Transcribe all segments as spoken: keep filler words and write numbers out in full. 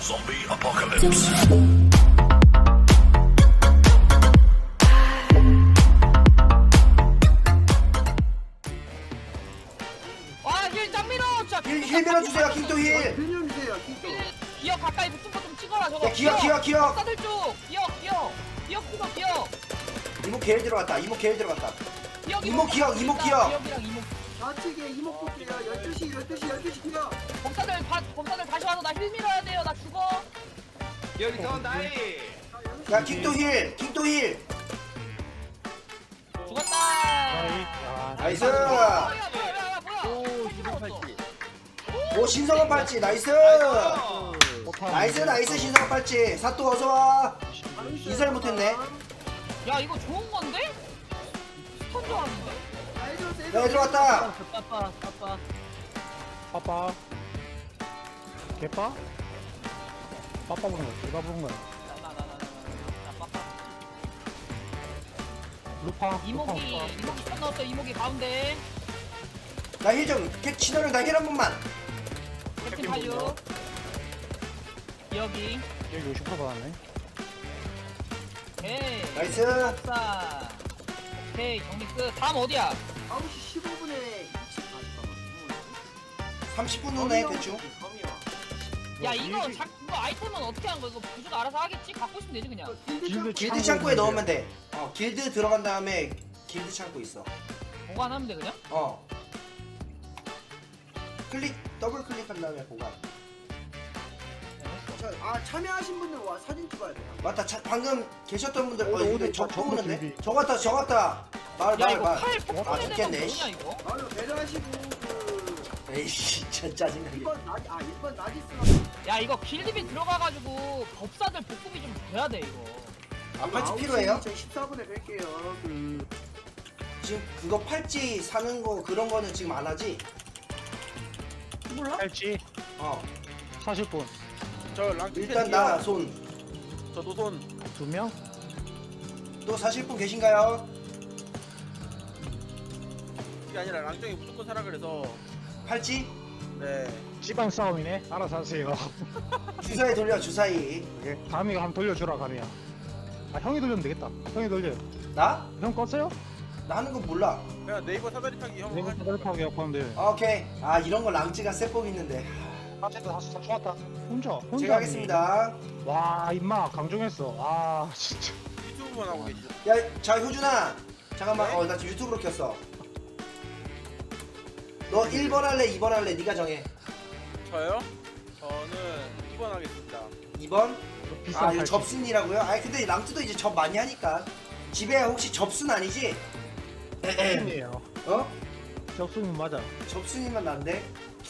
Zombie apocalypse. 와, 힐 짱밀어! 진짜. 힐, 힐 밀어주세요 킹도 힐. 빌려 주세요, 킹도. 기억 가까이 붙은 거 좀 찍어라, 저거. 야, 기억, 기억, 기억. 사들 쪽! 기억, 기억! 기억, 기억, 기억! 이모 게일 들어갔다. 이모 게일 들어갔다. 기억, 이모 기억, 이모 기억. 기억이랑 이모. 좌측에 이목 볼게요. 열두 시, 열두 시, 열두 시 기억. 검사들, 다, 검사들 다시 와서 나 힐 밀어야 돼요. 나 죽어. 여기서 나이 야 킹도 힐. 킹도 힐. 죽었다. 나이스. 뭐야, 뭐야, 뭐야, 뭐야. 오 팔찌 나왔어. 팔찌 오 신성한 팔찌. 나이스. 나이스 나이스 신성한 팔찌. 사또 어서 와. 이설 못했네. 야, 이거 좋은 건데? 스턴 좋았는데? 야 얘 들어왔다. 빠빠, 빠빠. 빠빠 개빠? 빠빠 부른 거야 개빠 부른 거야 나, 나, 나, 나, 나, 나, 빠빠. 루파 이목이, 루파 이목이 스턴 넣었어. 이목이 가운데. 나 힐 좀. 진호령 나 힐 한 번만. 캡틴 팔류. 여기. 여기 오십 퍼센트 받았네 오케이. 나이스. 사. 오케이, 정리 끝. 다음 어디야? 아홉 시 십오 분에 이층 삼십 분 후네 대충. 야, 이거 자, 이거 아이템은 어떻게 하는 거야? 이거 부주가 알아서 하겠지? 갖고 있으면 되지 그냥. 길드 길드 창고에 넣으면 돼. 어 길드 들어간 다음에 길드 창고 있어. 보관하면 돼 그냥? 어. 클릭 더블 클릭한 다음에 보관. 아, 참여하신 분들 와 사진 찍어야 돼. 맞다. 차, 방금 계셨던 분들 어 오늘, 근데 오늘 저 저- 오는데? 저거 저 같다 저 같다. 말 야, 말 이거 말. 칼 아 폭발에 대한 죽겠네. 뭐냐 씨. 이거? 바로 배려하시고 그 에이씨 진짜 짜증나게. 일 번 나지 아 일 번 나지스랑 야, 이거 길드비 들어가가지고 법사들 복급이 좀 돼야 돼 이거. 아 팔찌 필요해요? 십사 분에 뵐게요. 그 지금 그거 팔찌 사는 거 그런 거는 지금 안 하지? 몰라? 팔찌 어. 사십 분 저 랑치 일단 나 손. 저 노손 두 명? 또 사실 분 계신가요? 이게 아니라 랑정이 무조건 사라 그래서 팔찌? 네 집안 싸움이네 알아서 하세요 주사위 돌려 주사위. 오케이. 감이가 한번 돌려주라 감이야 아 형이 돌리면 되겠다 형이 돌려요 나? 형 껐어요? 나 하는 거 몰라. 그냥 네이버 사다리 타기 형 내가 사다리파고 약하면 돼 오케이. 아 이런 거 랑찌가 세법 있는데. 아 진짜 다섯 다 좋았다 혼자 혼자 제가 하네. 하겠습니다. 와 임마 강종했어 아 진짜 유튜브만 하고 계시죠 야, 자 효준아. 잠깐만. 네? 어, 나 지금 유튜브로 켰어. 너 일 번 할래, 이 번 할래? 네가 정해. 저요? 저는 이 번 하겠습니다 이 번? 비싼 아, 이거 팔찌 접순이라고요? 아니 근데 랑찌도 이제 접 많이 하니까. 집에 혹시 접순 아니지? 접순이에요 어? 접순이 맞아 접순이면 난데.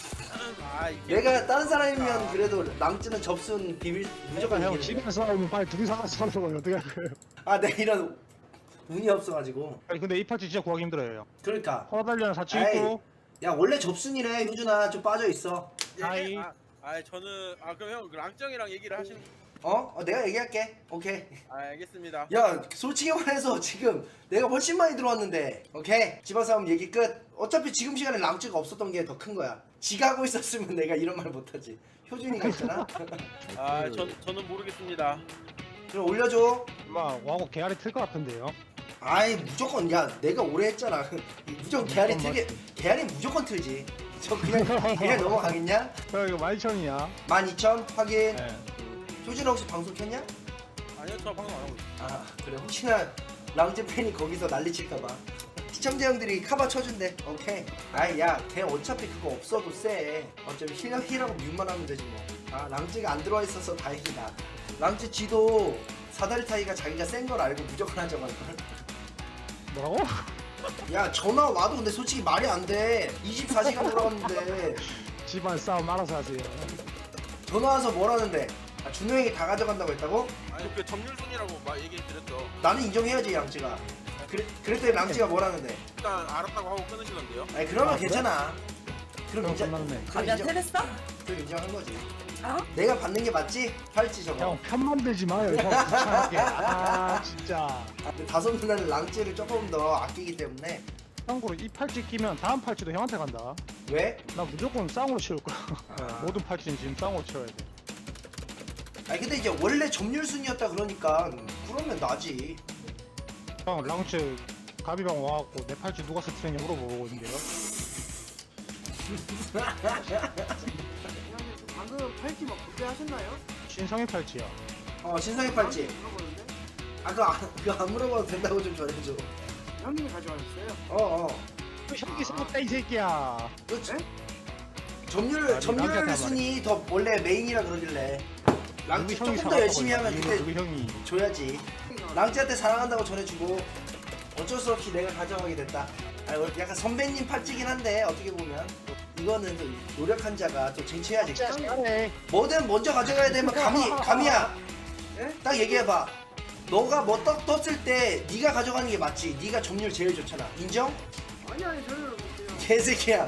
아 이게 내가 다른 사람이면 그래도 랑찌는 접순 비밀 무조건 형 이기는데. 집에 싸우면 빨리 둘이 살아서 살아서 어떻게 할 거예요 아, 내가 이런 운이 없어가지고. 아니 근데 이 팔찌 진짜 구하기 힘들어요 그러니까. 허달리는 사치 에이. 있고 야 원래 접순이래 효준아. 좀 빠져 있어. 아이. 아, 아 저는 아 그럼 형 랑정이랑 얘기를 하시는 어? 어 내가 얘기할게. 오케이. 아 알겠습니다 야 솔직히 말해서 지금 내가 훨씬 많이 들어왔는데. 오케이. 집안 싸움 얘기 끝. 어차피 지금 시간에 랑찌가 없었던 게 더 큰 거야. 지가 하고 있었으면 내가 이런 말 못하지. 효준이가 있잖아. 아 전, 저는 모르겠습니다 그럼 올려줘. 엄마 와고 개알이 틀 것 같은데요 아이 무조건 야 내가 오래 했잖아. 무조건 개알이 틀게. 개알이 무조건 틀지. 저 그냥 그냥 넘어가겠냐? 야 이거 만 이천이야 만 이천 확인. 네. 효준아 혹시 방송 켰냐? 아니요 저 방송 안 하고 있어요 아 그래 혹시나 랑제 팬이 거기서 난리칠까봐 시청자 형들이 카바 쳐준대. 오케이. 아이 야걔 어차피 그거 없어도 쎄. 어차피 힐, 힐하고 뮤만 하면 되지 뭐. 아 랑제가 안 들어와 있어서 다행이다. 랑제 지도 사다리 타기가 자기가 센 걸 알고 무조건 하자고 할걸. 뭐라고? 야 전화 와도 근데 솔직히 말이 안돼. 이십사 시간 돌아갔는데 집안 싸움 알아서 하세요 전화 와서 뭐라는데. 아, 준호 형이 다 가져간다고 했다고? 아니 그 점률순이라고 막 얘기 드렸죠 나는 인정해야지 랑제가. 그래, 그랬더니 랑제가 뭐라는데. 일단 알았다고 하고 끊으시던데요 아니 그러면 아, 그래? 괜찮아. 그럼 그럼 인정. 끝났네. 그럼 야, 인정. 테레스다? 그럼 인정한 거지. 어? 내가 받는 게 맞지? 팔찌 저거. 형 편 만들지 마요 형 귀찮게 아 진짜 아, 근데 다섯 누나는 랑찌를 조금 더 아끼기 때문에. 참고로 이 팔찌 끼면 다음 팔찌도 형한테 간다 왜? 나 무조건 쌍으로 치울 거야 아. 모든 팔찌는 지금 쌍으로 치워야 돼 아니 근데 이제 원래 점유율 순이었다 그러니까 그러면 나지. 형 랑츠 가비방 와갖고 내 팔찌 누가 스트레냐 물어보고 있는데요. 형님 방금 팔찌 막 구매하셨나요? 신성의 팔찌야. 어 신상의 팔찌. 물어보는데 아 그거 안, 그거 안 물어봐도 된다고 좀 전해줘. 형님이 가져가셨어요? 어어. 또 형이 사줬다 이 새끼야. 그렇지. 네? 점유율 아니, 점유율 랑자타 순이 더 원래 메인이라 그러길래. 랑지 누구 형이 조금 더 열심히 사갖고 하면 있나? 그때 누구 형이. 줘야지. 랑지한테 사랑한다고 전해주고 어쩔 수 없이 내가 가져가게 됐다. 아니 원래 약간 선배님 팔찌긴 한데 어떻게 보면 이거는 또 노력한 자가 또 쟁취해야지. 잘해. 뭐든 먼저 가져가야 되면 감이 감이야. 예? 딱 얘기해봐. 너가 뭐 떡 떴을 때 네가 가져가는 게 맞지. 네가 점유율 제일 좋잖아. 인정? 아니 아니 저는 그냥 개새끼야.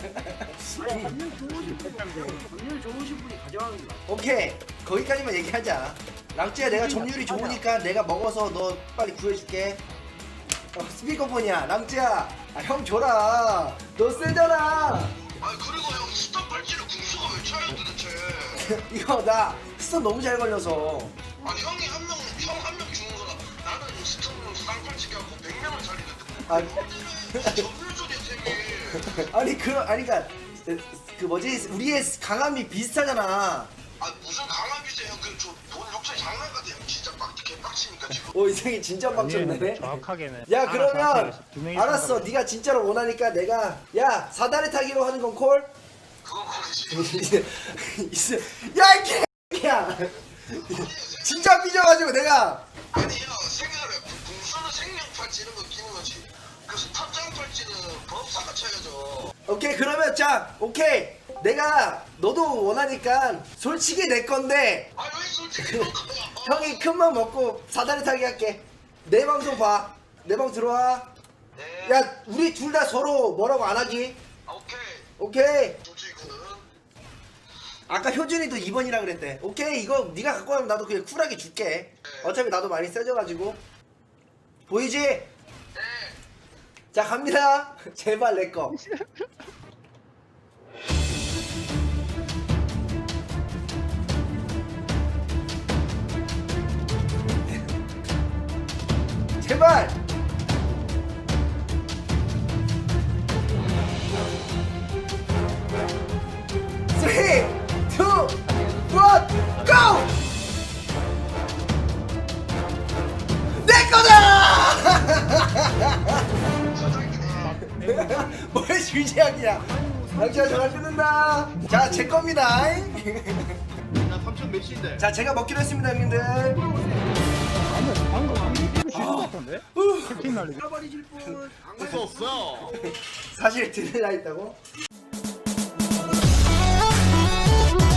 아니 점유율 좋으신 분이 점유율 좋으신 분이 가져가는 게 맞아. 오케이 거기까지만 얘기하자. 랑찌야 내가 점유율이 좋으니까 내가 먹어서 너 빨리 구해줄게. 어, 스피커폰이야. 랑찌야 아, 형 줘라. 너 세잖아. 아 그리고 형 스톱 팔찌를 궁수가 왜 차요 도대체? 이거 나 스톱 너무 잘 걸려서. 아니 형이 한 명, 형 한 명 주는 거다. 나는 스톱으로 쌍팔찌 갖고 백 명을 살리는데 아, 점유율이 되게 아니 그 아니 그니까 그 뭐지 우리의 강함이 비슷하잖아. 아 무슨 강압이세요 형? 그저돈 욕심 장난 같아 형 진짜 빡 개빡치니까 지금. 오 이 새끼 진짜 빡쳤네. 정확하게는. 야 하나 그러면 정확하게 두 명이 알았어. 상관없어. 네가 진짜로 원하니까 내가 야 사다리 타기로 하는 건 콜? 그건 거기지. 야이 개야. 진짜 삐져가지고 내가 아니 형 생각을 궁수는 생명 팔찌 이런 거 끼는 거지. 그 스톱장 팔찌는 법사가 차야죠. 오케이 그러면 자 오케이 내가 너도 원하니까 솔직히 내 건데 아왜 솔직히 너 거야? 형이 큰 맘 먹고 사다리 타기 할게. 내 방송 봐. 내 방 들어와. 네. 야 우리 둘 다 서로 뭐라고 안 하기. 아, 오케이. 오케이. 솔직히 그는. 아까 효준이도 이 번이라 그랬대. 오케이 이거 네가 갖고 가면 나도 그냥 쿨하게 줄게. 어차피 나도 많이 세져가지고. 보이지? 네. 자 갑니다. 제발 내 거. 제발. 쓰리, 투, 원, 고! 내 거다! 뭘 주제약이야? 당신아 전화 끊는다. 자, 제 겁니다. 나 삼천 몇인데? 자, 제가 먹기로 했습니다, 형님들. 방금 방금 방금 이거 쉬는 것 같은데? 캡틴 날리기. 잃어버리실 분 안 수 없어. 사실 들으려 했다고? Thank you.